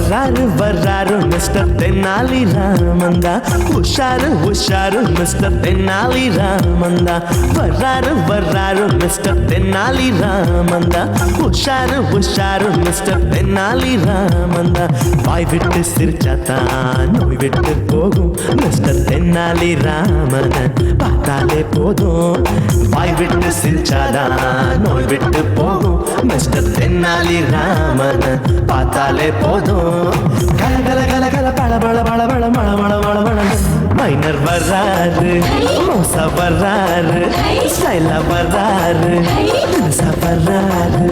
வர்றாரு வர்றாரு மிஸ்டர் தென்னாலி ராமந்தா. உஷாரு உஷாரு மிஸ்டர் தென்னாலி ராமந்தா. வர்றாரு வர்றாரு மிஸ்டர் தென்னாலி ராமந்தா. உஷாரு உஷாரு மிஸ்டர் தென்னாலி ராமந்தா. வாய் விட்டு சிரிச்சாத்தான் நோய் விட்டு போகும் மிஸ்டர் தென்னாலி ராமன் பார்த்தாலே போதும். வாய் விட்டு சிரிச்சாதான் நோய் விட்டு போகும் மிஸ்டர் தென்னாலி ராமன் பார்த்தாலே போதும். கல கல கல கல பள பள பள பள மள மள மள மள. மைனர் வர்றாரு மோசா வர்றாரு ஸ்டைலா வர்றாரு வர்றாரு.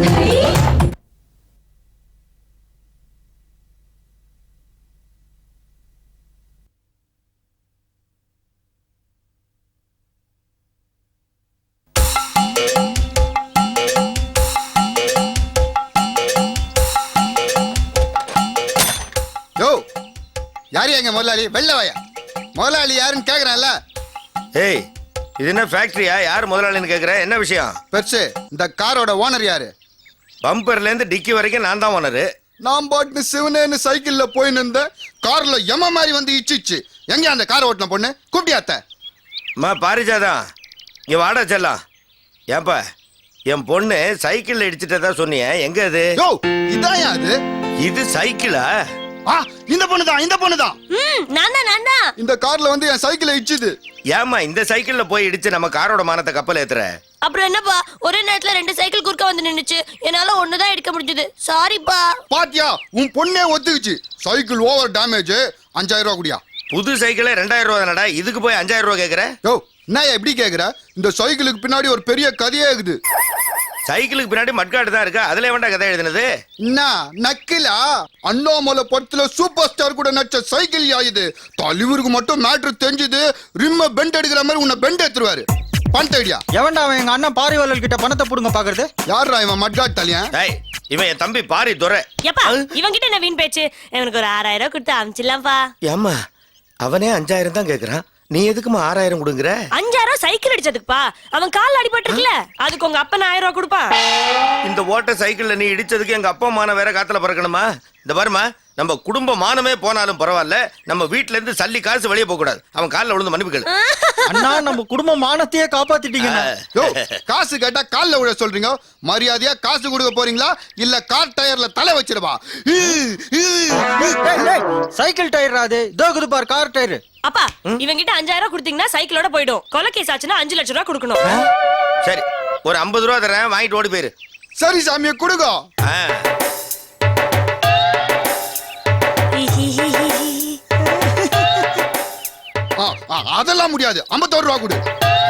யாரு எங்க முதலாளி? வெள்ள வாயா. முதலாளி யாருன்னு கேக்குறான்ல. ஏய், இது என்ன ஃபேக்டரியா? யார் முதலாளின்னு கேக்குற? என்ன விஷயம்? பெருசு, இந்த காரோட ஓனர் யாரு? பம்பர்ல இருந்து டிக்கி வரைக்கும் நான் தான் ஓனரு. நான் பாட்டு சிவனேன்னு சைக்கிள்ல போயின்னு இருந்தேன். கார்ல எம மாதிரி வந்து இச்சிச்சு. எங்க அந்த காரை ஓட்டின பொண்ணு கூப்பிட்டியாத்த? பாரிஜாதான் இங்க வாடா செல்லாம். ஏப்பா, என் பொண்ணு சைக்கிள்ல இடிச்சுட்டதா சொன்னிய, எங்க அது? இதான் அது. இது சைக்கிளா? இந்த பொண்ணுதான், இந்த பொண்ணுதான். இந்த கார்ல வந்து என் சைக்கிளை இடிச்சுது. ஏமா இந்த சைக்கிள்ல போய் இடிச்சு நம்ம காரோட மானத்தை கப்பல் ஏத்துற? அப்புறம் என்னப்பா, ஒரே நேரத்துல 2 சைக்கிள் குறுக்க வந்து நின்னுச்சு. என்னால ஒண்ணுதான் எடுக்க முடிஞ்சது. சாரிப்பா. பாத்தியா, உன் பொண்ணே ஒத்துக்குச்சு. சைக்கிள் ஓவர் டேமேஜ், 5000 ரூபாய் குடியா. புது சைக்கிளே 2000 ரூபா தானடா, இதுக்கு போய் 5000 ரூபா கேக்குற? என்ன எப்படி கேக்குற? இந்த சைக்கிளுக்கு பின்னாடி ஒரு பெரிய கதையே இருக்குது. சைக்கிளுக்கு பின்னாடி மட்காடு தான் இருக்கு, அதுல வேண்டாம் கதை எழுதுனது. என்ன நக்கிலா? அண்ணாமலை படத்துல சூப்பர் ஸ்டார் கூட நடிச்ச சைக்கிள் ஆயுது. தலைவருக்கு மட்டும் மேட்ரு தெரிஞ்சது. ரிம்ம பெண்ட் எடுக்கிற மாதிரி உன்னை பெண்ட் எடுத்துருவாரு. பணத்தை ஐடியா எவன்டா அவன்? எங்க அண்ணன் பாரிவாளர் கிட்ட பணத்தை புடுங்க பாக்குறது. யாரா இவன்? மட்காட் தலையன். இவன் என் தம்பி பாரி துரை. இவன் கிட்ட என்ன வீண் பேச்சு? எனக்கு ஒரு 6000 கொடுத்து அமிச்சிடலாம்ப்பா. ஏமா அவனே 5000 தான் கேக்குறான், நீ எதுக்குமா 6000 கொடுக்குற? 5000 சைக்கிள் அடிச்சதுக்குப்பா. அவன் கால் அடிபட்டிருக்குல, அதுக்கு உங்க அப்பா 1000 ரூபாய் கொடுப்பான். இந்த ஓட்ட சைக்கிள்ல நீ இடிச்சதுக்கு எங்க அப்பா மான வேற காத்துல பறக்கணுமா? இந்த பாருமா, நம்ம குடும்ப மானமே போனாலும் பரவாயில்ல, நம்ம வீட்ல இருந்து சல்லி காசு வெளியே போக கூடாது. அவன் கால்ல விழுந்து மன்னிப்பு கேளு. அண்ணா, நம்ம குடும்ப மானத்தையே காப்பாத்திட்டீங்க. காசு கேட்டா கால்ல விழ சொல்றீங்க. மரியாதையா காசு கொடுக்க போறீங்களா இல்ல கார் டயர்ல தலை வச்சிருவா? சைக்கிள் டயர் அது தோகுது பார், கார் டயர். அப்பா, இவன் கிட்ட 5000 கொடுத்தீங்கன்னா சைக்கிளோட போய்டும். கொலை கேஸ் ஆச்சுன்னா 5 லட்சம் ரூபாய் கொடுக்கணும். சரி, ஒரு 50 ரூபா தரேன், வாங்கிட்டு ஓடி போயிரு. சரி சாமியை கொடுங்க. அதெல்லாம் முடியாது. 51 ரூபா கொடு.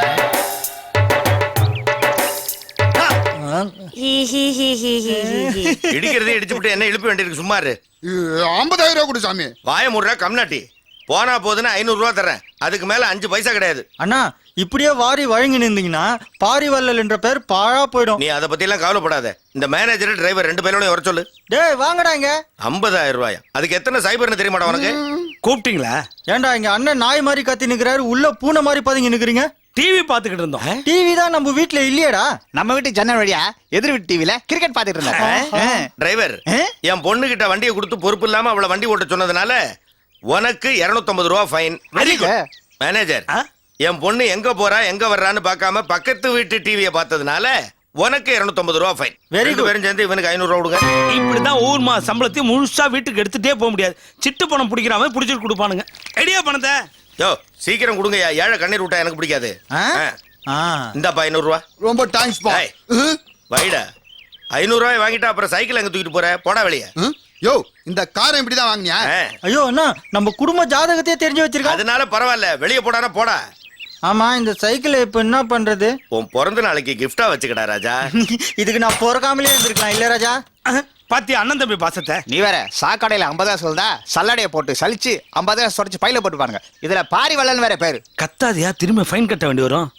இடிக்கிறதே இடிச்சு விட்டு என்ன இழுப்ப வேண்டியிருக்கு, சும்மா இரு. 50000 ரூபா கொடு சாமி. வாய மூடுற கம்நாட்டி. போனா போதுன்னா 500 ரூபா தரேன், அதுக்கு மேல 5 பைசா கிடையாது. அண்ணா, இப்படியே வாரி வழங்கி நின்றீங்கன்னா பாரிவள்ளல் என்ற பேர் பாழா போயிடும். நீ அதை பத்தி எல்லாம் கவலைப்படாத. இந்த மேனேஜர் டிரைவர் 2 பேரோட வர சொல்லு. டேய் வாங்கடா இங்க. 50000 ரூபாயா? அதுக்கு எத்தனை சைபர்னு தெரியுமாடா உனக்கு? கூப்பிட்டீங்களா? ஏன்டா இங்க அண்ணன் நாய் மாதிரி கத்தி நிக்கிறாரு, உள்ள பூனை மாதிரி பதுங்கி நிக்கிறீங்க. டிவி பாத்துக்கிட்டு இருந்தோம். டிவி தான் நம்ம வீட்ல இல்லையடா. நம்ம வீட்டு ஜன்னல் வழியா எதிர் வீட்டு டிவில கிரிக்கெட் பாத்துட்டு இருந்தாங்க. டிரைவர், என் பொண்ணு கிட்ட வண்டியை கொடுத்து பொறுப்பு இல்லாம அவளை வண்டி ஓட்ட சொன்னதுனால உனக்கு 250 ரூபா ஃபைன். மேனேஜர், என் பொண்ணு எங்க போறா எங்க வர்றான்னு பார்க்காம பக்கத்து வீட்டு டிவியை பார்த்ததுனால உனக்கு 250 ரூபா ஃபைன். Very good. பேரும் சேர்ந்து இவனுக்கு 500 ரூபா கொடுங்க. இப்படிதான் ஊர் மா சம்பளத்தையும் முழுசா வீட்டுக்கு எடுத்துட்டே போக முடியாது. சிட்டு பணம் பிடிக்கிறவன் பிடிச்சிட்டு கொடுப்பானுங்க. ஐடியா பணத்தை யோ சீக்கிரம் கொடுங்க. ஏழை கண்ணீர் விட்டா எனக்கு பிடிக்காது. இந்தாப்பா 500 ரூபா. ரொம்ப தேங்க்ஸ் பா. வைடா, 500 ரூபாய் வாங்கிட்டா அப்புறம் சைக்கிள் எங்க தூக்கிட்டு போற? போடா வெளியே. யோ, இந்த காரை இப்படிதான் வாங்கினியா? ஐயோ அண்ணா, நம்ம குடும்ப ஜாதகத்தையே தெரிஞ்சு வச்சிருக்கோம். அதனால பரவாயில்ல, வெளியே போடானா போடா. ஆமா, இந்த சைக்கிள் இப்ப என்ன பண்றது? உன் பிறந்த நாளைக்கு கிஃப்டா வச்சுக்கடா ராஜா. இதுக்கு நான் பிறக்காமலே இருந்திருக்கலாம் இல்ல ராஜா? பாத்தி அண்ணன் தம்பி பாசத்தை. நீ வேற சாக்கடையில 50 சொல்றா, சல்லடைய போட்டு சலிச்சு 50 சொரச்சு பையில போட்டு பாருங்க. இதுல பாரிவள்ளல் வேற பேரு. கத்தாதியா, திரும்ப ஃபைன் கட்ட வேண்டி வரும்.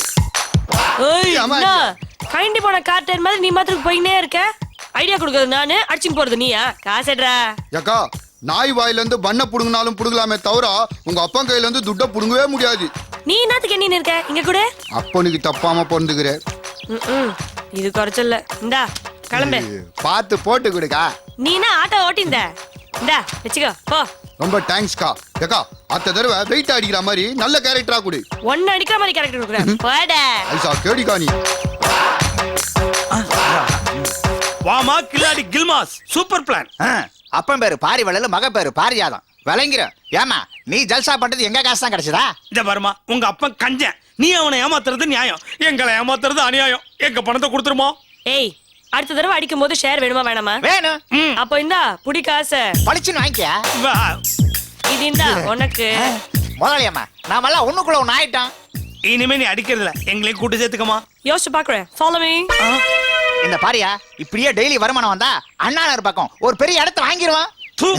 கைண்டி போன கார்டர் மாதிரி நீ மாத்திரம் போயினே இருக்க. ஐடியா கொடுக்கறது நானு, அடிச்சுட்டு போறது நீயா? காசேட்ரா. ஏக்கா, நாய் வாயில இருந்து பண்ண புடுங்கினாலும் புடுங்கலாமே தவிர உங்க அப்பா கையில இருந்து துட்ட புடுங்கவே முடியாது. நீ என்னத்துக்கு என்ன இருக்க இங்க கூட? அப்பனுக்கு தப்பாம பொறுந்துக்கிற. இது குறைச்சல்ல. இந்தா கிளம்பு. பார்த்து போட்டு கொடுக்கா. நீ என்ன ஆட்டோ ஓட்டிந்த? இந்தா வச்சுக்கோ போ. ரொம்ப தேங்க்ஸ்க்கா. ஏக்கா அத்த தடவை வெயிட் அடிக்கிற மாதிரி நல்ல கேரக்டரா கொடு. ஒன்னு அடிக்கிற மாதிரி கேரக்டர் கொடுக்குறேன். போடா. ஐசா கேடிக்கா நீ. வாமா கில்லாடி கில்மாஸ் சூப்பர் பிளான். அப்பன் பேரு பாரி வள்ளல, மக பேரு பாரிஜாதம். விளங்கிற ஏமா நீ ஜல்சா பண்றது எங்க காசு தான் கிடைச்சதா? இந்த பாருமா, உங்க அப்பன் கஞ்சன், நீ அவனை ஏமாத்துறது நியாயம், எங்களை ஏமாத்துறது அநியாயம். எங்க பணத்தை கொடுத்துருமோ? ஏய், அடுத்த தடவை அடிக்கும் போது ஷேர் வேணுமா வேணாமா? வேணும். அப்போ இந்தா புடி காசை. பளிச்சுன்னு வாங்கிக்க. வா. இது இந்தா உனக்கு. முதலாளியம்மா நாமெல்லாம் ஒண்ணுக்குள்ள ஒண்ணு ஆயிட்டோம். இனிமே நீ அடிக்கிறதுல எங்களையும் கூட்டு சேர்த்துக்கமா. யோசிச்சு பாக்குறேன். Follow me. இந்த பாரியா இப்படியே டெய்லி வருமானம் வந்தா அண்ணாநகர் பக்கம் ஒரு பெரிய இடத்த வாங்கிடுவான். தூ.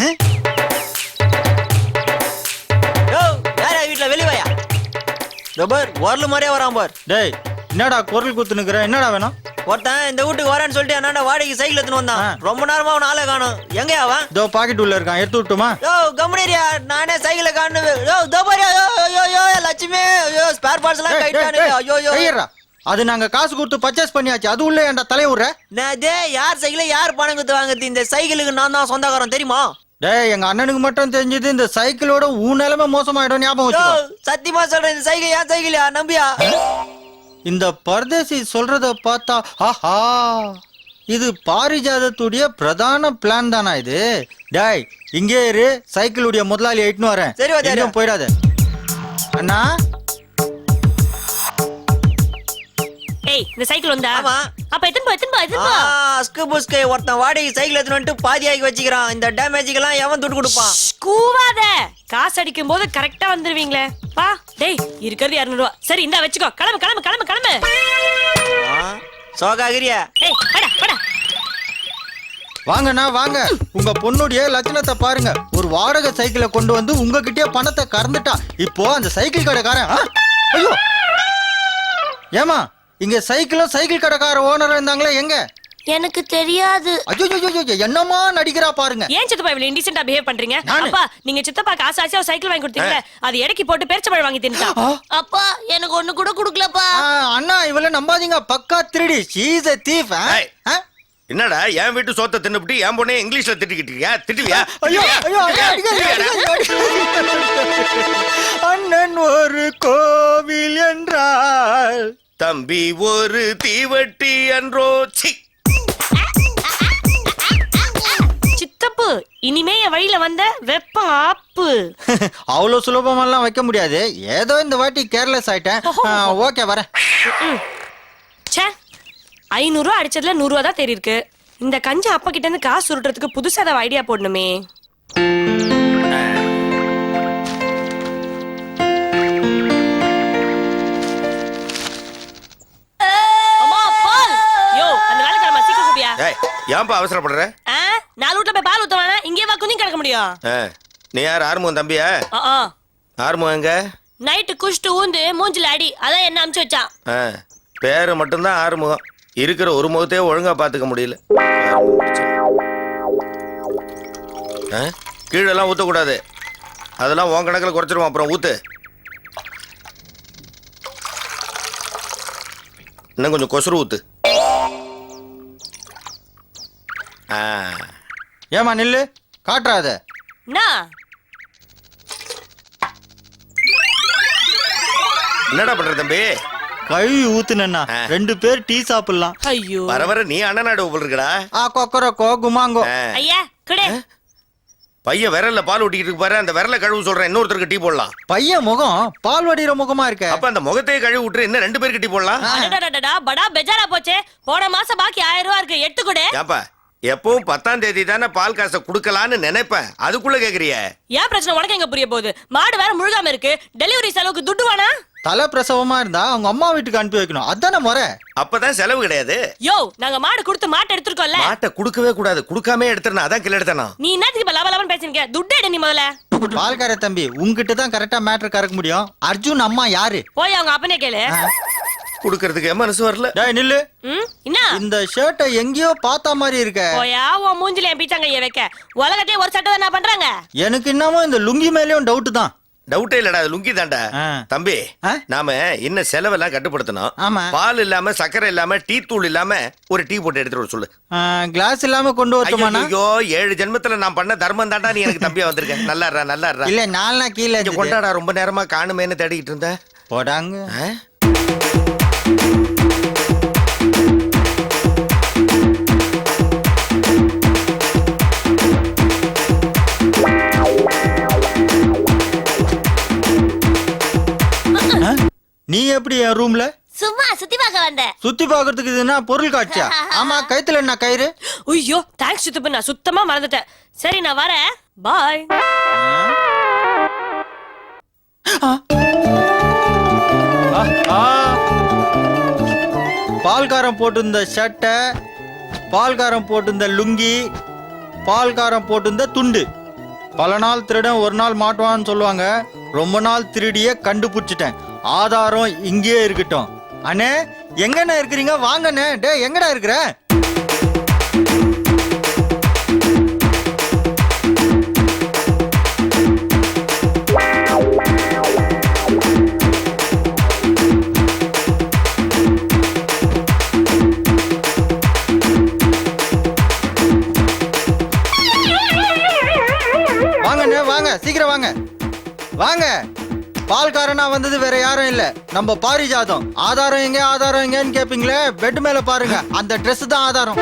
வீட்டுல வெளிவாயா பார் வரல மாதிரியே வரான் பார். டேய் என்னடா குரல் குத்துனுக்குற, என்னடா வேணும்? ஒருத்தன் இந்த வீட்டுக்கு வரேன்னு சொல்லிட்டு அண்ணாண்ட வாடகைக்கு சைக்கிள் எடுத்துன்னு வந்தான். ரொம்ப நேரமா அவன் ஆளை காணும். எங்க அவன்? இதோ பாக்கெட் உள்ள இருக்கான், எடுத்து விட்டுமா? யோ கம்முனேரியா, நானே சைக்கிளை காணு. யோ தோபாரியா, யோ லட்சுமி, யோ ஸ்பேர் பார்ட்ஸ் எல்லாம் கைட்டானு. ஐயோ அது நாங்க காசு கொடுத்து பர்ச்சேஸ் பண்ணியாச்சு, அது உள்ள ஏன்டா தலையுற? டே யார் சைக்கிளை யார் பணம் கொடுத்து வாங்குறது? இந்த சைக்கிளுக்கு நான் தான் சொந்தக்காரன் தெரியுமா? டேய் எங்க அண்ணனுக்கு மட்டும் தெரிஞ்சது இந்த சைக்கிளோட உன் நிலைமை மோசமாயிடும், ஞாபகம் வச்சுக்கோ. சத்தியமா சொல்றேன், இந்த சைக்கிள் ஏன் சைக்கிளா நம்பியா? இந்த பரதேசி சொல்றத பார்த்தா ஆஹா, இது பாரிஜாதத்துடைய பிரதான பிளான் தானா இது? டேய் இங்கே இரு, சைக்கிளுடைய முதலாளி எட்டுன்னு வரேன். சரி, வாத்தியாரே. எங்கேயும் போயிடாத அண்ணா. ஏய், இந்த சைக்கிள் வந்தா? ஆமா. அப்ப எத்தனை போ. அஸ்கு புஸ்கு ஒருத்தன் வாடகை சைக்கிள் எடுத்துன்னு வந்துட்டு பாதியாக்கி வச்சுக்கிறான். இந்த டேமேஜுக்கெல்லாம் எவன் துட்டு கொடுப்பான்? கூவாத. காசு அடிக்கும் போது கரெக்டா வந்துருவீங்களே. பா டேய், இருக்கிறது 200 ரூபா. சரி இந்தா வச்சுக்கோ. கிளம்பு. சோகாகிரியா? ஏய் வாடா. வாங்கண்ணா வாங்க, உங்க பொண்ணுடைய லட்சணத்தை பாருங்க. ஒரு வாடகை சைக்கிளை கொண்டு வந்து உங்ககிட்டயே பணத்தை கறந்துட்டா. இப்போ அந்த சைக்கிள் கடைக்காரன் ஐயோ ஏமா இங்க சைக்கிள் கடைக்கார ஓனர் இருந்தாங்களே எங்க? எனக்கு தெரியாது. ஐயோ என்னமா நடிக்கிறா பாருங்க. ஏன் சித்தப்பா இவ்வளவு இன்டிசென்ட்டா பிஹேவ் பண்றீங்க? நானு? அப்பா நீங்க சித்தப்பா ஆசையா சைக்கிள் வாங்கி கொடுத்தீங்க, அது எடைக்கு போட்டு பேரிச்சம்பழம் வாங்கி தின்னுட்டான். அப்பா எனக்கு ஒண்ணு கூட கொடுக்கலப்பா. அண்ணா இவள நம்பாதீங்க, பக்கா திருடி. she is a thief. ஏய். என்னடா என் வீட்டு சோத்தை தின்னுபிட்டு என் பொண்ணே இங்கிலீஷ்ல திட்டிக்கிட்டியா? திட்டுவியா? ஐயோ அண்ணன் ஒரு கோவில் என்றால் தம்பி ஒரு தீவட்டி அன்றோ. சித்தப்பு இனிமே என் வழியில வந்த வெப்பம் ஆப்பு. அவ்வளவு சுலபமெல்லாம் வைக்க முடியாது. ஏதோ இந்த வாட்டி கேர்லெஸ் ஆயிட்டேன். ஓகே வரேன். ச்சே, 500 ரூபா அடிச்சதுல 100 ரூபா தான் தெரியிருக்கு. இந்த கஞ்ச அப்பா கிட்ட இருந்து காசு சுருட்டுறதுக்கு புதுசா ஏதாவது ஐடியா போடணுமே. அம்மா, பால். யோ, அந்த வேலைக்காரமா சீக்கிரம் கூப்பியா. ஏய், ஏன்பா அவசரப்படுற? நாலு வீட்டுல போய் பால் ஊத்த வேணாம், இங்கே வா குஞ்சு கிடக்க முடியும். நீ யார்? ஆறுமுகம் தம்பியா? ஆறுமுகம் எங்க? நைட்டு குஷ்டு ஊந்து மூஞ்சில அடி, அதான் என்ன அமுச்சு வச்சான். பேரு மட்டும்தான் ஆறுமுகம், இருக்கிற ஒரு முகத்தையே ஒழுங்கா பாத்துக்க முடியல. கீழெல்லாம் ஊத்தக்கூடாது, அதெல்லாம் உன் கணக்கில் குறைச்சிருவோம். அப்புறம் ஊத்து. இன்னும் கொஞ்சம் கொசுறு ஊத்து. ஏமா நில்லு, காட்டுறாத. என்னடா பண்ற தம்பி? கழுவி ஊத்துனா 2 பேர் டீ சாப்பிடலாம். ஐயோ வர வர நீ அண்ணனாடு போல் இருக்கடா. கொக்கரக்கோ குமாங்கோ. ஐயா குடே. பையன் விரல்ல பால் ஊட்டிக்கிட்டு இருக்கு பாரு, அந்த விரல கழுவு சொல்றேன். இன்னொருத்தருக்கு டீ போடலாம். பையன் முகம் பால் வடிகிற முகமா இருக்க. அப்ப அந்த முகத்தையே கழுவி விட்டுரு, இன்னும் 2 பேருக்கு டீ போடலாம். அடடடடா, படா பெஜாரா போச்சே. போன மாசம் பாக்கி 1000 ரூபா இருக்கு, எடுத்து கொடு. ஏப்பா எப்பவும் 10ஆம் தேதி தானே பால் காசை குடுக்கலான்னு நினைப்பேன், அதுக்குள்ள கேக்குறிய? ஏன் பிரச்சனை உனக்கு எங்க புரிய போகுது? மாடு வேற முழுகாம இருக்கு, டெலிவரி செலவுக்கு துட்டு வேணா? தலை பிரசவமா இருந்தா அவங்க அம்மா வீட்டுக்கு அனுப்பி வைக்கணும், அதான முறை. அப்பதான் செலவு கிடையாது. யோ, நாங்க மாடு கொடுத்து மாட்டை எடுத்துருக்கோம்ல. மாட்டை குடுக்கவே கூடாது, குடுக்காமே எடுத்துறேன், அதான் கிள எடுத்தனா. நீ என்னத்துக்கு இப்ப லவ லவன் பேசுறீங்க? துட்டு எடு நீ முதல்ல. பால்கார தம்பி, உங்ககிட்ட தான் கரெக்டா மேட்டர் கறக்க முடியும். அர்ஜுன் அம்மா யாரு? போய் அவங்க அப்பனே கேளு. குடுக்கறதுக்கு மனசு வரல. டேய் நில்லு. என்ன இந்த ஷர்ட்டை எங்கேயோ பார்த்த மாதிரி இருக்க. போயா உன் மூஞ்சில என் பீச்சாங்க வைக்க. உலகத்தையே ஒரு சட்டை தான் பண்றாங்க. எனக்கு இன்னமும் இந்த லுங்கி மேலயும் டவுட் தான். டவுட்டே இல்லடா அது லுங்கி தான்டா ஆ. தம்பி ஆ? நாம இன்னும் செலவெல்லாம் கட்டுப்படுத்தணும் ஆமா. பால் இல்லாம சக்கரை இல்லாம டீ தூள் இல்லாம ஒரு டீ போட்டு எடுத்துட்டு வர சொல்லு கிளாஸ் இல்லாம கொண்டு வரட்டுமாண்ணா? ஐயோ 7 ஜென்மத்துல நான் பண்ண தர்மம் தான்டா நீ எனக்கு தம்பியா வந்திருக்க நல்லா இருடா இல்ல 4 நாள் கீழே இங்க இருந்துது. கொண்டாடா ரொம்ப நேரமா காணுமேன்னு தேடிக்கிட்டு இருந்த போடாங்க. ஆ? நீ எப்படி என் ரூம்ல சும்மா சுத்தி பார்க்க வந்தேன். சுத்தி பாக்குறதுக்கு இதுனா பொருள் காட்சியா? ஆமா, கைத்துல என்ன கயிறு? ஐயோ தேங்க்ஸ் சித்தப்பு, நான் சுத்தமா மறந்துட்டேன். சரி நான் வரேன், பாய். பால்காரம் போட்டிருந்த சட்டை, பால்காரம் போட்டிருந்த லுங்கி, பால்காரம் போட்டிருந்த துண்டு. பல நாள் திருடன் ஒரு நாள் மாட்டுவான்னு சொல்லுவாங்க. ரொம்ப நாள் திருடிய கண்டுபிடிச்சிட்டேன். ஆதாரம் இங்கேயே இருக்கட்டும். அண்ணே எங்கண்ணே இருக்கிறீங்க? வாங்கண்ணே. டே எங்கடா இருக்கிற? வாங்கண்ணே வாங்க, சீக்கிரம் வாங்க வாங்க. பால்காரனா வந்தது வேற யாரும் இல்ல, நம்ம பாரிஜாதம். ஆதாரம் எங்க, ஆதாரம் எங்கன்னு கேப்பீங்களே, பெட் மேல பாருங்க, அந்த Dress தான் ஆதாரம்.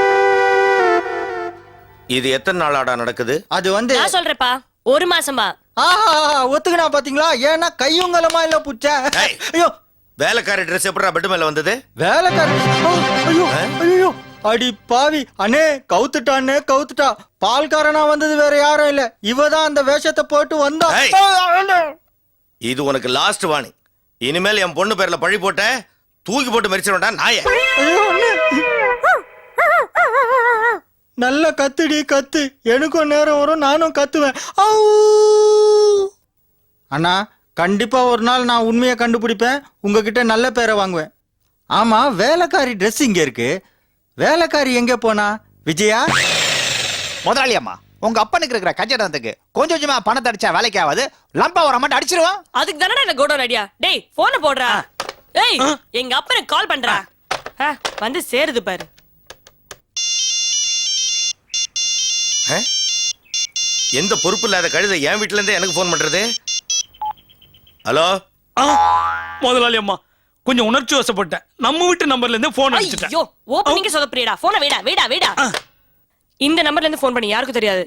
இது எத்தனை நாளாடா நடக்குது? அது வந்து நான் சொல்றேன்ப்பா, 1 மாசமா. ஆஹா ஒத்துக்கினா பாத்தீங்களா? ஏன்னா கையுங்கலமா இல்ல புச்ச. ஏய். ஐயோ வேலைக்காரி ட்ரெஸ் எப்படா பெட் மேல வந்தது? வேலைக்காரி. ஐயோ ஐயோ அடி பாவி. அண்ணே கவுத்துட்டானே கவுத்துட்டா. பால்காரனா வந்தது வேற யாரும் இல்ல, இவதான் அந்த வேஷத்தை போட்டு வந்தா. ஏய். இது உனக்கு லாஸ்ட் வார்னிங். இனிமேல் என் பொண்ணு பேர்ல பழி போட்ட தூக்கி போட்டு மரிச்சிடா நாய. ஐயோ, அண்ணே. நல்ல கத்துடி கத்து, எனக்கும் நேரம் வரும், நானும் கத்துவேன். அண்ணா கண்டிப்பா ஒரு நாள் நான் உண்மையை கண்டுபிடிப்பேன், உங்ககிட்ட நல்ல பேரை வாங்குவேன். ஆமா, வேலைக்காரி Dress இங்க இருக்கு, வேலைக்காரி எங்க போனா? விஜயா? முதலாளி அம்மா, உங்க அப்பனுக்கு இருக்கிற கஞ்சடத்துக்கு கொஞ்சம் கொஞ்சமா பணத்தை அடிச்சா வேலைக்கு ஆகாது. லம்பா ஒரு அமௌண்ட் அடிச்சிருவான். அதுக்கு தானடா இந்த கோடோன் ஐடியா. டேய் போனை போடுறா. ஏய் எங்க அப்பனுக்கு கால் பண்றா. வந்து சேருது பாரு. எந்த பொறுப்பு இல்லாத கழுதை என் வீட்டுல இருந்து எனக்கு போன் பண்றது? ஹலோ முதலாளி அம்மா, கொஞ்சம் உணர்ச்சி வசப்பட்டேன். நம்ம வீட்டு நம்பர்ல இருந்து போன் அடிச்சிட்டேன். ஐயோ ஓபனிங் சொதப்புறியடா. போனை வேடா. இந்த நம்பர்ல இருந்து போன் பண்ணி யாருக்கும் தெரியாது.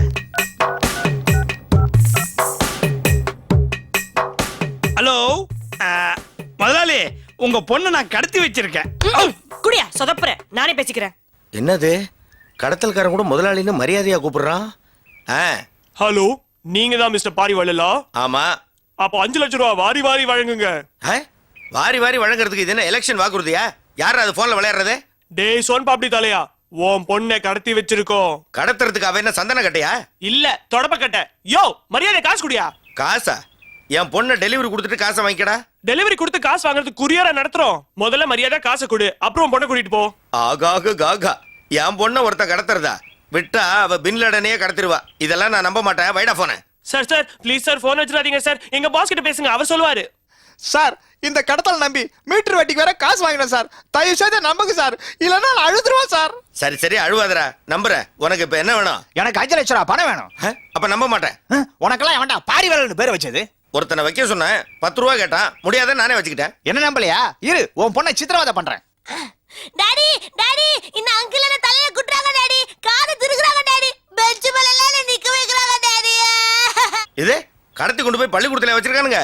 ஹலோ முதலாளி, உங்க பொண்ணை நான் கடத்தி வச்சிருக்கேன். குடியா சொதப்புற, நானே பேசிக்கிறேன். என்னது கடத்தல்காரன் கூட முதலாளின்னு மரியாதையா கூப்பிடுறான்? ஹலோ, நீங்க தான் மிஸ்டர் பாரிவாளா? ஆமா. அப்ப 5 லட்சம் ரூபாய் வாரி வாரி வழங்குங்க. வாரி வாரி வழங்குறதுக்கு இது என்ன எலெக்ஷன் வாக்குறுதியா? யாரா அது போன்ல விளையாடுறது? டேய் சோன் பாப்டி தலையா, உன் பொண்ணை கடத்தி வச்சிருக்கோம். கடத்துறதுக்கு அவ என்ன சந்தன கட்டையா? இல்ல தொடப்ப கட்ட. யோ மரியாதை காசு குடியா. காசா? என் பொண்ணை டெலிவரி கொடுத்துட்டு காசை வாங்கிக்கடா. டெலிவரி கொடுத்து காசு வாங்குறதுக்கு குரியரா நடத்துறோம். முதல்ல மரியாதை காசை கொடு, அப்புறம் பொண்ணை கூட்டிட்டு போ. ஆகாக காகா, என் பொண்ணை ஒருத்த கடத்துறதா? விட்டா அவ பின்லடனையே கடத்திடுவா. இதெல்லாம் நான் நம்ப மாட்டேன். வைடா போன. Sir sir please sir, phone வச்சிடாதீங்க சார். எங்க பாஸ் கிட்ட பேசுங்க, அவர் சொல்லுவாரு. சார், இந்த கடத்தல் நம்பி மீட்டர் வட்டிக்கு வேற காசு வாங்கினேன் சார். தயவு செய்து நம்புங்க சார், இல்லன்னா நான் அழுதுருவேன் சார். சரி சரி அழுவாதரா, நம்புறேன். உனக்கு இப்ப என்ன வேணும்? எனக்கு 5 லட்சம் ரூபாய் பணம் வேணும். அப்ப நம்ப மாட்டேன். உனக்கெல்லாம் வேண்டாம், பாரிவாளன்னு பேர் வச்சது. ஒருத்தனை வைக்க சொன்னேன், 10 ரூபா கேட்டான், முடியாத நானே வச்சுக்கிட்டேன். என்ன நம்பலையா? இரு, உன் பொண்ணை சித்திரவதை பண்றேன். டாடி டாடி, இந்த அங்கிள் என்ன தலையில குட்றாங்க டாடி. காது திருகுறாங்க டாடி. பெஞ்ச் மேல எல்லாம் நிக்க வைக்கறாங்க டாடி. இது கடத்தி கொண்டு போய் பள்ளிக்கூடத்துல வச்சிருக்கானுங்க.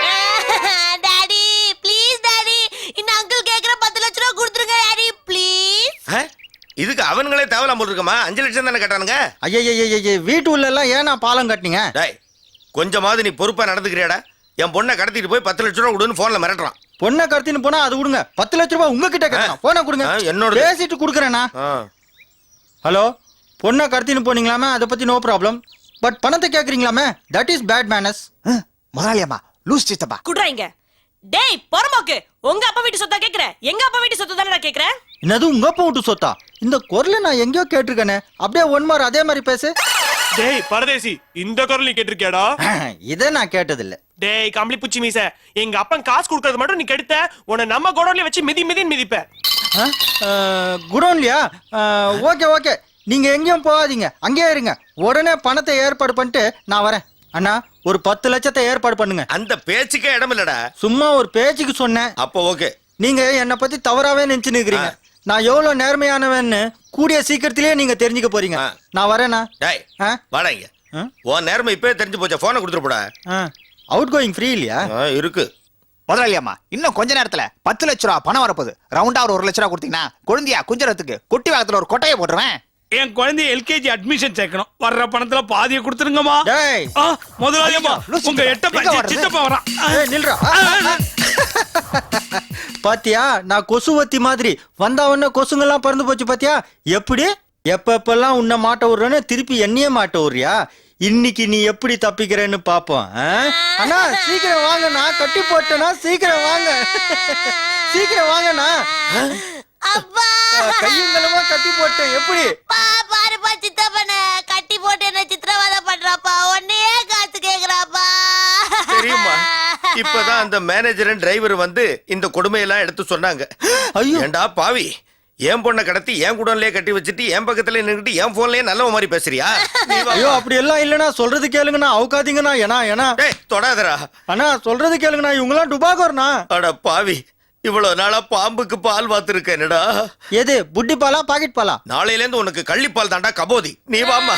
டாடி ப்ளீஸ் டாடி, இந்த அங்கிள் கேக்குற 10 லட்சம் ரூபாய் கொடுத்துருங்க டாடி ப்ளீஸ். இதுக்கு அவனுங்களே தேவலாம் போட்டுருக்கமா? 5 லட்சம் தானே கேட்டானுங்க. ஐய வீட்டு உள்ள எல்லாம் ஏன்னா பாலம் கட்டினீங்க? டேய், கொஞ்சமாவது நீ பொறுப்பா நடந்துக்கிறியாடா? என் பொண்ணை கடத்திட்டு போய் 10 லட்சம் ரூபா கொடுன்னு போன்ல மிரட்டுறான். பொண்ணை கடத்தின்னு போனா அது கொடுங்க, 10 லட்சம் ரூபாய் உங்ககிட்ட கேட்கணும். போன கொடுங்க, என்னோட பேசிட்டு கொடுக்குறேனா? ஹலோ, பொண்ணை கடத்தின்னு போனீங்களாமே, அதை பத்தி நோ ப்ராப்ளம். பட் பணத்தை கேக்குறீங்களாமே, தட் இஸ் பேட் மேனஸ். முதலாளி அம்மா, லூஸ் சித்தப்பா. குட்றாங்க. டேய் பொறம்போக்கு, உங்க அப்பா வீட்டு சொத்தா கேக்குற? எங்க அப்பா வீட்டு சொத்து தானே நான் கேக்குறேன். என்னது உங்க அப்பா வீட்டு சொத்தா? இந்த குரலை நான் எங்கேயோ கேட்டிருக்கேனே. அப்படியே ஒன் மார் அதே மாதிரி பேசு. டேய் பரதேசி இந்த குரல் நீ கேட்டிருக்கியாடா இதை நான் கேட்டதில்ல. டேய் கம்பளி பூச்சி மீச எங்க அப்பன் காசு கொடுக்கறது மட்டும் நீ கெடுத்த உன்னை நம்ம குடோன்ல வச்சு மிதின்னு மிதிப்ப குடோன்லையா? ஓகே ஓகே, நீங்க எங்கேயும் போகாதீங்க, அங்கேயே இருங்க. உடனே பணத்தை ஏற்பாடு பண்ணிட்டு நான் வரேன். அண்ணா, ஒரு 10 லட்சத்தை ஏற்பாடு பண்ணுங்க. அந்த பேச்சுக்கே இடம் இல்லடா. சும்மா ஒரு பேச்சுக்கு சொன்னேன். அப்போ ஓகே. நீங்க என்னை பத்தி தவறாவே நினைச்சு நிக்கிறீங்க. நான் எவ்வளவு நேர்மையானவன்னு கூடிய சீக்கிரத்திலேயே நீங்க தெரிஞ்சுக்க போறீங்க. நான் வரேண்ணா. டேய் வாடா இங்க. உன் நேர்மை இப்பவே தெரிஞ்சு போச்சா? போனை கொடுத்துட்டு போடா. அவுட் கோயிங் ஃப்ரீ இல்லையா? இருக்கு. முதலாளி அம்மா, இன்னும் கொஞ்ச நேரத்துல 10 லட்ச ரூபா பணம் வரப்போகுது. ரவுண்டா ஒரு 1 லட்ச ரூபா கொடுத்தீங்கன்னா குழந்தையா குஞ்சரத்துக்கு குட்டி வாகத்துல ஒரு கொட்டையை போட்டுருவேன். என் குழந்தைய எல்கேஜி அட்மிஷன் சேர்க்கணும். வர்ற பணத்துல பாதியை கொடுத்துருங்கம்மா. முதலாளி அம்மா, உங்க சித்தப்பா வரான். நில்றா. பாத்தியா, நான் கொசுவத்தி மாதிரி வந்தவன கொசுங்கெல்லாம் பறந்து போச்சு. பாத்தியா எப்படி எப்பெல்லாம் உன்னை மாட்ட விடுறேன்னு திருப்பி என்னையே மாட்ட விடுறியா? இன்னைக்கு நீ எப்படி தப்பிக்கிறேன்னு பாப்போம். அண்ணா சீக்கிரம் வாங்கண்ணா, கட்டி போட்டேனா, சீக்கிரம் வாங்க, சீக்கிரம் வாங்கண்ணா. கையங்களமா கட்டி போட்டேன். எப்படி பாருப்பா சித்தப்பன கட்டி போட்டு என்ன சித்திரவதை பண்றாப்பா, ஒன்னையே காசு கேக்குறாப்பா. தெரியுமா, இப்பதான் அந்த மேனேஜர் டிரைவர் வந்து இந்த கொடுமையெல்லாம் எடுத்து சொன்னாங்க. ஏண்டா பாவி, என் பொண்ணை கடத்தி என் குடோன்லயே கட்டி வச்சுட்டு என் பக்கத்துல நின்னுட்டு என் போன்லயே நல்ல மாதிரி பேசுறியா? ஐயோ அப்படி எல்லாம் இல்லனா, சொல்றது கேளுங்கண்ணா, அவுக்காதீங்கண்ணா. ஏனா தொடாதரா அண்ணா, சொல்றது கேளுங்கண்ணா, இவங்கெல்லாம் டுபாகோர்ண்ணா. அட பாவி, இவ்வளவு நாளா பாம்புக்கு பால் வாத்துருக்கேன்டா. எது புட்டி பாலா பாக்கெட் பாலா? நாளையில இருந்து உனக்கு கள்ளிப்பால் தாண்டா கபோதி. நீ வாமா.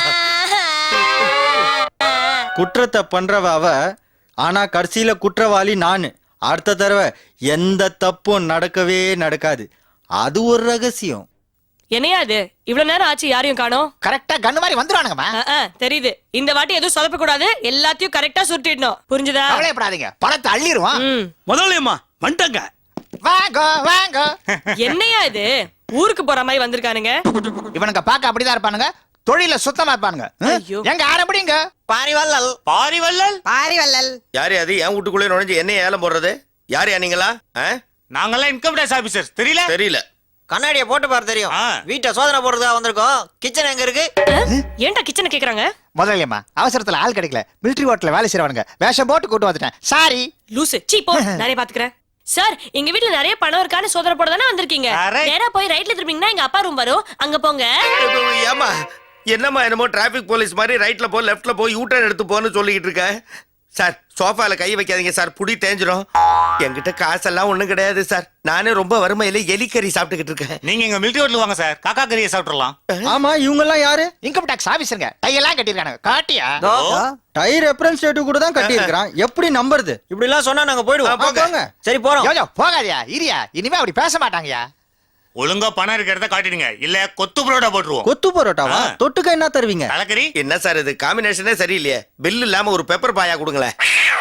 குற்றத்தை பண்றவ அவ, ஆனா கடைசியில குற்றவாளி நானு. அடுத்த தடவை எந்த தப்பும் நடக்கவே நடக்காது. அது ஒரு ரகசியம். என்னையா இது இவ்வளவு நேரம் ஆச்சு, யாரையும் காணோம்? கரெக்டா கண்ணு மாதிரி வந்துருவானுங்கம்மா. தெரியுது. இந்த வாட்டி எதுவும் சொதப்ப கூடாது, எல்லாத்தையும் கரெக்டா சுட்டிடணும். புரிஞ்சுதா? கவலைப்படாதீங்க, பணத்தை அள்ளிடுவான். முதலாளி அம்மா வந்துட்டங்க. வாங்க வாங்க. என்னையா இது ஊருக்கு போற மாதிரி வந்திருக்கானுங்க? இவனுங்க பாக்க அப்படிதான் இருப்பானுங்க, தொழில சுத்தமா இருப்பானுங்க. எங்க ஆரம்பிங்க. பாரிவல்லல் பாரிவல்லல் பாரிவல்லல். யாரு அது என் வீட்டுக்குள்ளே நுழைஞ்சு என்ன ஏலம் போடுறது? யாரையா நீங்களா? நாங்கெல்லாம் இன்கம் டேக்ஸ் ஆபீசர். தெரியல. கண்ணாடியை போட்டு பாரு தெரியும். வீட்டை சோதனை போடுறதுக்காக வந்திருக்கோம். கிச்சன் எங்க இருக்கு? ஏன்டா கிச்சனை கேக்குறாங்க? முதலாளி அம்மா, அவசரத்துல ஆள் கிடைக்கல, மிலிட்டரி ஹோட்டல்ல வேலை செய்றவனுங்க வேஷம் போட்டு கூட்டு வந்துட்டேன். சாரி. லூசு, சீ போ, நானே பாத்துக்கிறேன். சார், எங்க வீட்ல நிறைய பணம் இருக்கான்னு சோதனை போட தானே வந்திருக்கீங்க. நேரா போய் ரைட்ல திரும்பிங்கன்னா எங்க அப்பா ரூம் வரும், அங்க போங்க. ஏமா என்னம்மா என்னமோ டிராபிக் போலீஸ் மாதிரி ரைட்ல போ லெஃப்ட்ல போய் யூ டர்ன் எடுத்து போன்னு சொல்லிக்கிட்டு இருக்க. சார், சோஃபால கை வைக்காதீங்க சார், புடி தேஞ்சிரும். என்கிட்ட காசெல்லாம் ஒண்ணும் கிடையாது சார், நானே ரொம்ப வறுமையில எலிக்கறி சாப்பிட்டுக்கிட்டு இருக்கேன். நீங்க எங்க மிலிட்டரி ஹோட்டல் வாங்க சார், காக்கா கறியை சாப்பிடலாம். ஆமா, இவங்க எல்லாம் யாரு? இன்கம் டாக்ஸ் ஆபீசருங்க. டையெல்லாம் கட்டிருக்கானுங்க. காட்டியா? டை ரெப்ரசன்டேட்டிவ் கூட தான் கட்டி இருக்கிறான். எப்படி நம்புறது? இப்படி எல்லாம் சொன்னா நாங்க போயிடுவோம். போங்க. சரி போறோம். யோயோ போகாதியா, இரியா, இனிமே அப்படி பேச மாட்டாங்கயா. ஒழுங்கா பணம் இருக்கிறத காட்டிடுங்க, இல்ல கொத்து புரோட்டா போட்டுருவோம். கொத்து பரோட்டாவா? தொட்டுக்க என்ன தருவீங்க? கலக்கறி. என்ன சார் இது காம்பினேஷனே சரியில்லையே. பில் இல்லாம ஒரு பெப்பர் பாயா கொடுங்களேன்.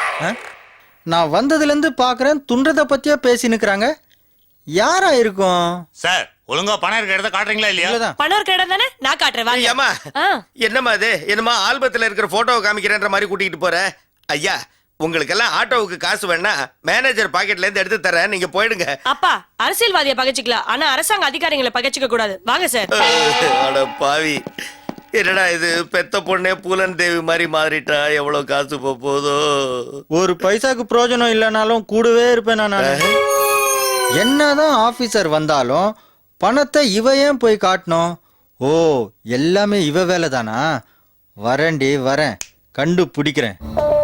நான் வந்ததுல இருந்து பாக்குறேன், துன்றத பத்தியே பேசி நிக்கிறாங்க. யாரா இருக்கும்? சார், ஒழுங்கா பணம் இருக்கிறத காட்டுறீங்களா இல்லையா? பணம் இருக்கிற இடம் தானே, நான் காட்டுறேன் வாங்க. ஏமா என்னம்மா இது? என்னமா ஆல்பத்துல இருக்கிற போட்டோவை காமிக்கிறேன்ற மாதிரி கூட்டிட்டு போற? ஐயா, உங்களுக்கெல்லாம் ஆட்டோவுக்கு காசு வேணா மேனேஜர் பாக்கெட்ல இருந்து எடுத்து தரேன், நீங்க போயிடுங்க. அப்பா, அரசியல்வாதியை பகைச்சிக்கலாம், ஆனா அரசாங்க அதிகாரிகளை பகைச்சிக்க கூடாது. வாங்க சார். அட பாவி, என்னடா இது பெத்த பொண்ணே பூலன் தேவி மாதிரி மாறிட்டா. எவ்வளவு காசு போதோ? ஒரு பைசாக்கு பிரயோஜனம் இல்லைனாலும் கூடவே இருப்பேன் நான். என்னதான் ஆபீசர் வந்தாலும் பணத்தை இவ ஏன் போய் காட்டணும்? ஓ, எல்லாமே இவ வேலை தானா? வரேன்டி, வரேன், கண்டுபிடிக்கிறேன்.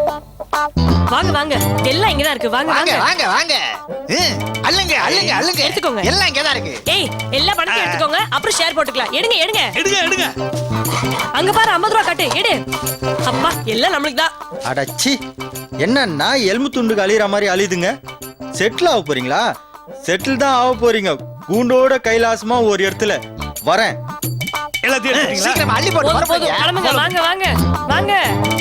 வாங்க வாங்க, எல்லாம் இங்கதான் இருக்கு. வாங்க வாங்க வாங்க வாங்க வாங்க. அள்ளுங்க அள்ளுங்க அள்ளுங்க, எடுத்துக்கோங்க. எல்லாம் இங்கதான் இருக்கு. ஏய், எல்லா பணத்தையும் எடுத்துக்கோங்க, அப்புறம் ஷேர் போட்டுக்கலாம். எடுங்க எடுங்க எடுங்க. அங்க பாரு, 50 ரூபா காட்டு, எடு. அப்பா, எல்லாம் நம்மளுக்கு தான். அடச்சி, என்னன்னா எலும்பு துண்டுக்கு அழியிற மாதிரி அழியுதுங்க. செட்டில் ஆக போறீங்களா? செட்டில் தான் ஆக போறீங்க, கூண்டோட கைலாசமா ஒரு இடத்துல. வரேன். எல்லாத்தையும் சீக்கிரம் அள்ளி போட்டு போதும் போதும், கிளம்புங்க. வாங்க வாங்க வாங்க.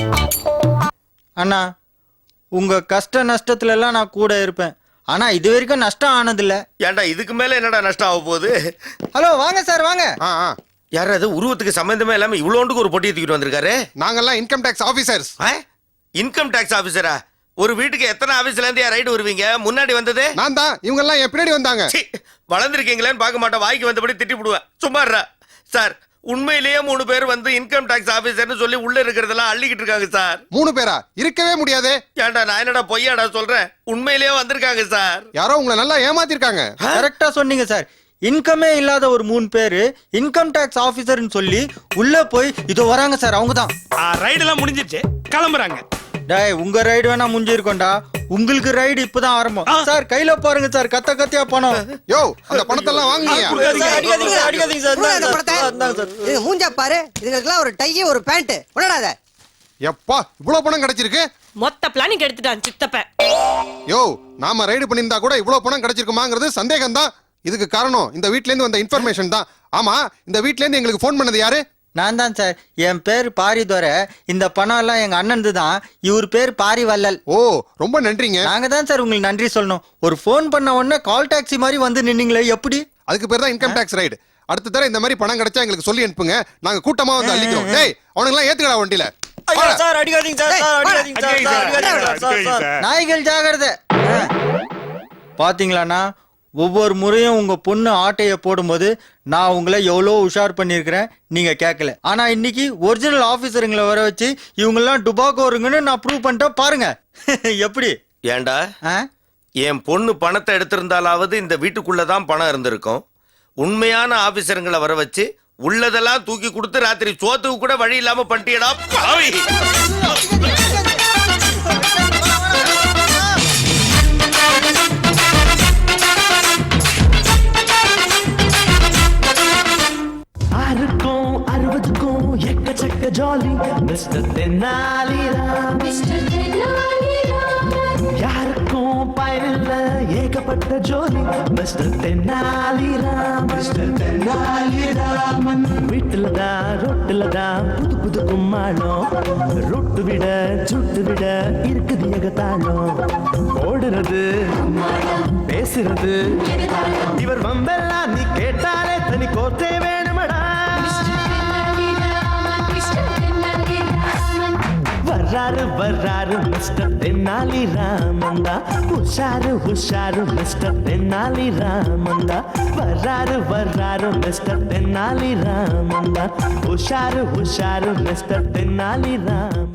அண்ணா, உங்க கஷ்ட நஷ்டத்துல எல்லாம் நான் கூட இருப்பேன். ஆனா இது வரைக்கும் நஷ்டம் ஆனதில்ல. ஏன்டா இதுக்கு மேல என்னடா நஷ்டம் ஆக போகுது? ஹலோ, வாங்க சார், வாங்க. யாராவது உருவத்துக்கு சம்பந்தமே இல்லாம இவ்வளோண்டுக்கு ஒரு பொட்டியை தூக்கிட்டு வந்திருக்காரு. நாங்கெல்லாம் income tax officers. Income tax ஆபீசரா? ஒரு வீட்டுக்கு எத்தனை ஆபீஸ்ல இருந்து ரைடு வருவீங்க? முன்னாடி வந்தது நான் தான். இவங்க எல்லாம் என் பின்னாடி வந்தாங்க. வளர்ந்துருக்கீங்களேன்னு பார்க்க மாட்டேன், வாய்க்கு வந்தபடி திட்டி விடுவேன். சும்மாறா சார், உண்மையிலேயே 3 பேர் வந்து இன்கம் டாக்ஸ் ஆபீசர்னு சொல்லி உள்ள இருக்கிறதெல்லாம் அள்ளிக்கிட்டு இருக்காங்க சார். 3 பேரா? இருக்கவே முடியாதே. ஏன்டா நான் என்னடா பொய்யாடா சொல்றேன்? உண்மையிலேயே வந்திருக்காங்க சார். யாரோ உங்களை நல்லா ஏமாத்திருக்காங்க. கரெக்டா சொன்னீங்க சார். இன்கமே இல்லாத ஒரு 3 பேரு இன்கம் டாக்ஸ் ஆபீசர்னு சொல்லி உள்ள போய் இதோ வராங்க சார். அவங்கதான். ரைடு எல்லாம் முடிஞ்சிருச்சு, கிளம்புறாங்க. டேய், உங்க ரைடு வேணா முடிஞ்சிருக்கோண்டா, உங்களுக்கு ரைடு இப்பதான் ஆரம்பம். சார் கையில பாருங்க சார், கத்த கத்தியா பணம். யோ, அந்த பணத்தெல்லாம் வாங்குங்க. மூஞ்சா பாரு, இதுக்கெல்லாம் ஒரு டை ஒரு பேண்ட் உடனாத. எப்பா இவ்வளவு பணம் கிடைச்சிருக்கு? மொத்த பிளானிங் எடுத்துட்டான் சித்தப்ப. யோ, நாம ரைடு பண்ணியிருந்தா கூட இவ்வளவு பணம் கிடைச்சிருக்குமாங்கிறது சந்தேகம் தான். இதுக்கு காரணம் இந்த வீட்ல இருந்து வந்த இன்ஃபர்மேஷன் தான். ஆமா, இந்த வீட்ல இருந்து எங்களுக்கு போன் பண்ணது யாரு? நான் தான் சார். என் பேர் பாரிதுரை. இந்த பணம் எல்லாம் எங்க அண்ணன் தான். இவர் பேர் பாரிவள்ளல். ஓ, ரொம்ப நன்றிங்க. நாங்க தான் சார் உங்களுக்கு நன்றி சொல்லணும். ஒரு போன் பண்ண உடனே கால் டாக்ஸி மாதிரி வந்து நின்னீங்களே, எப்படி? அதுக்கு பேர் தான் இன்கம் டாக்ஸ் ரைடு. அடுத்த தடவை இந்த மாதிரி பணம் கிடைச்சா எங்களுக்கு சொல்லி அனுப்புங்க, நாங்க கூட்டமா வந்து அள்ளிக்கிறோம். டேய், அவனுங்களாம் ஏத்துக்கடா வண்டியில. நாய்கள் ஜாகிரதை. பாத்தீங்களாண்ணா, ஒவ்வொரு முறையும் உங்க பொண்ணு ஆட்டைய போடும்போது நான் உங்களை எவ்வளோ உஷார் பண்ணியிருக்கிறேன், நீங்க கேட்கல. ஆனா இன்னைக்கு ஒரிஜினல் ஆபீசருங்களை வர வச்சு இவங்கெல்லாம் டுபாக்கோருங்கன்னு நான் ப்ரூவ் பண்ணிட்டேன் பாருங்க. எப்படி? ஏண்டா என் பொண்ணு பணத்தை எடுத்திருந்தாலாவது இந்த வீட்டுக்குள்ளதான் பணம் இருந்திருக்கும். உண்மையான ஆபீசருங்களை வர வச்சு உள்ளதெல்லாம் தூக்கி கொடுத்து ராத்திரி சோத்துக்கு கூட வழி இல்லாம பண்ணிட்டியடா பாவி. எக்கச்சக்க ஜாலி மிஸ்டர் தென்னாலிராம். யாருக்கும் பயனில்ல ஏகப்பட்ட ஜோலி மிஸ்டர் தென்னாலிராம். மிஸ்டர் தென்னாலிராமன் வீட்டுலதான் ரொட்டுலதான் புது புது கும்மாளம். ரொட்டு விட சுட்டு விட இருக்குது ஏகத்தாளம். ஓடுறது பேசுறது இவர் வம்பெல்லாம் நீ கேட்டாலே தனி கோத்தே வேணுமடா. வர்றாரு வர்றாரு மிஸ்டர் தென்னாலி ராமந்தா. உஷாரு உஷாரு மிஸ்டர் தென்னாலி ராமந்தா. வர்றாரு வர்றாரு மிஸ்டர் தென்னாலி ராமந்தா. உஷாரு உஷாரு மிஸ்டர் தென்னாலி ராம.